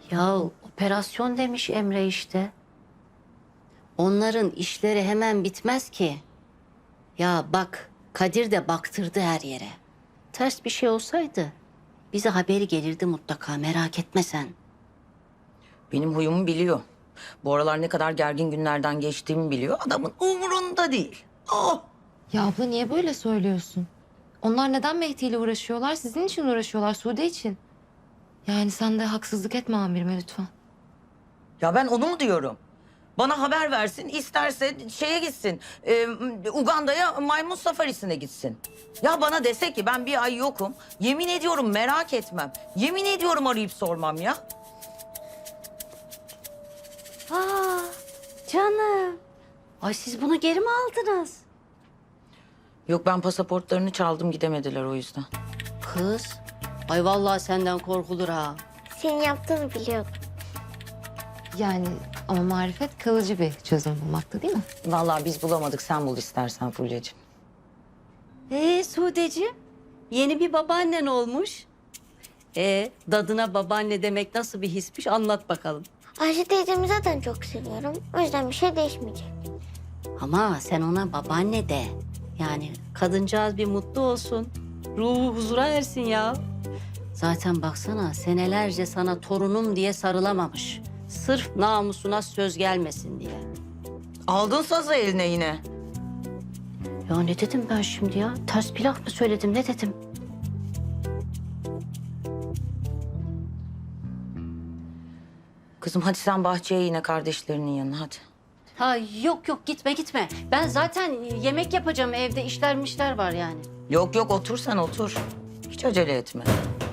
Ya operasyon demiş Emre işte. Onların işleri hemen bitmez ki. Ya bak Kadir de baktırdı her yere. Ters bir şey olsaydı bize haberi gelirdi mutlaka, merak etme sen. Benim huyumu biliyor. Bu aralar ne kadar gergin günlerden geçtiğimi biliyor. Adamın umurunda değil. Oh! Ya abla niye böyle söylüyorsun? Onlar neden Mehdi ile uğraşıyorlar? Sizin için uğraşıyorlar, Sude için. Yani sen de haksızlık etme amirime lütfen. Ya ben onu mu diyorum? Bana haber versin, isterse şeye gitsin. Uganda'ya maymun safarisine gitsin. Ya bana dese ki ben bir ay yokum. Yemin ediyorum merak etmem. Yemin ediyorum arayıp sormam ya. Aa, canım. Ay siz bunu geri mi aldınız? Yok ben pasaportlarını çaldım gidemediler o yüzden. Kız, ay vallahi senden korkulur ha. Senin yaptığını biliyordum. Yani ama marifet kalıcı bir çözüm bulmakta değil mi? Vallahi biz bulamadık sen bul istersen Fulya'cığım. Sudeciğim, yeni bir babaannen olmuş. Dadına babaanne demek nasıl bir hismiş anlat bakalım. Ayşe teyzemi zaten çok seviyorum. O yüzden bir şey değişmeyecek. Ama sen ona babaanne de. Yani kadıncağız bir mutlu olsun. Ruhu huzura ersin ya. Zaten baksana senelerce sana torunum diye sarılamamış. Sırf namusuna söz gelmesin diye. Aldın sazı eline yine. Ya ne dedim ben şimdi ya? Ters bir laf mı söyledim, ne dedim? Kızım hadi sen bahçeye yine kardeşlerinin yanına hadi. Ha yok yok gitme. Ben zaten yemek yapacağım, evde işler var yani. Yok yok otur sen otur. Hiç acele etme.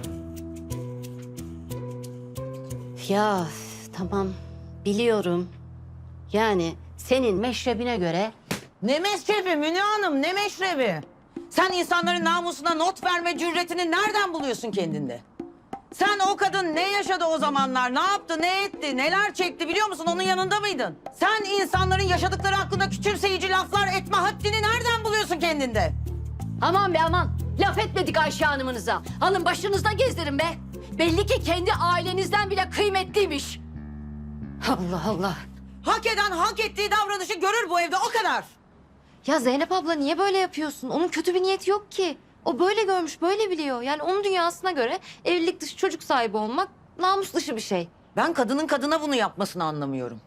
Ya tamam biliyorum. Yani senin meşrebine göre Ne meşrebi Münir Hanım ne meşrebi? Sen insanların namusuna not verme cüretini nereden buluyorsun kendinde? Sen o kadın ne yaşadı o zamanlar? Ne yaptı, ne etti, neler çekti biliyor musun? Onun yanında mıydın? Sen insanların yaşadıkları hakkında küçümseyici laflar etme haddini nereden buluyorsun kendinde? aman be aman laf etmedik Ayşe Hanım'ınıza. Alın başınızda gezdirin be. Belli ki kendi ailenizden bile kıymetliymiş. Allah Allah. Hak eden hak ettiği davranışı görür bu evde o kadar. Ya Zeynep abla niye böyle yapıyorsun? Onun kötü bir niyeti yok ki. O böyle görmüş, böyle biliyor. Yani onun dünyasına göre evlilik dışı çocuk sahibi olmak namus dışı bir şey. Ben kadının kadına bunu yapmasını anlamıyorum.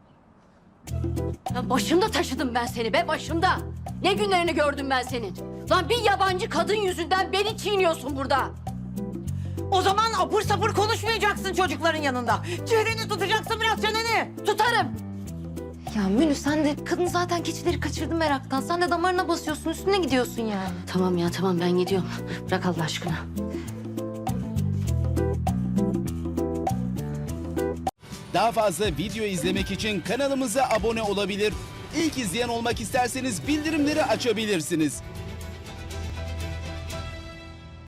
Ya başımda taşıdım ben seni be başımda. Ne günlerini gördüm ben senin. Lan bir yabancı kadın yüzünden beni çiğniyorsun burada. O zaman apır sapır konuşmayacaksın çocukların yanında. Çeneni tutacaksın biraz çeneni. Tutarım. Ya Münü sen de kadın zaten keçileri kaçırdı meraktan. Sen de damarına basıyorsun, üstüne gidiyorsun yani. Tamam ya tamam ben gidiyorum. Bırak Allah aşkına. Daha fazla video izlemek için kanalımıza abone olabilir. İlk izleyen olmak isterseniz bildirimleri açabilirsiniz.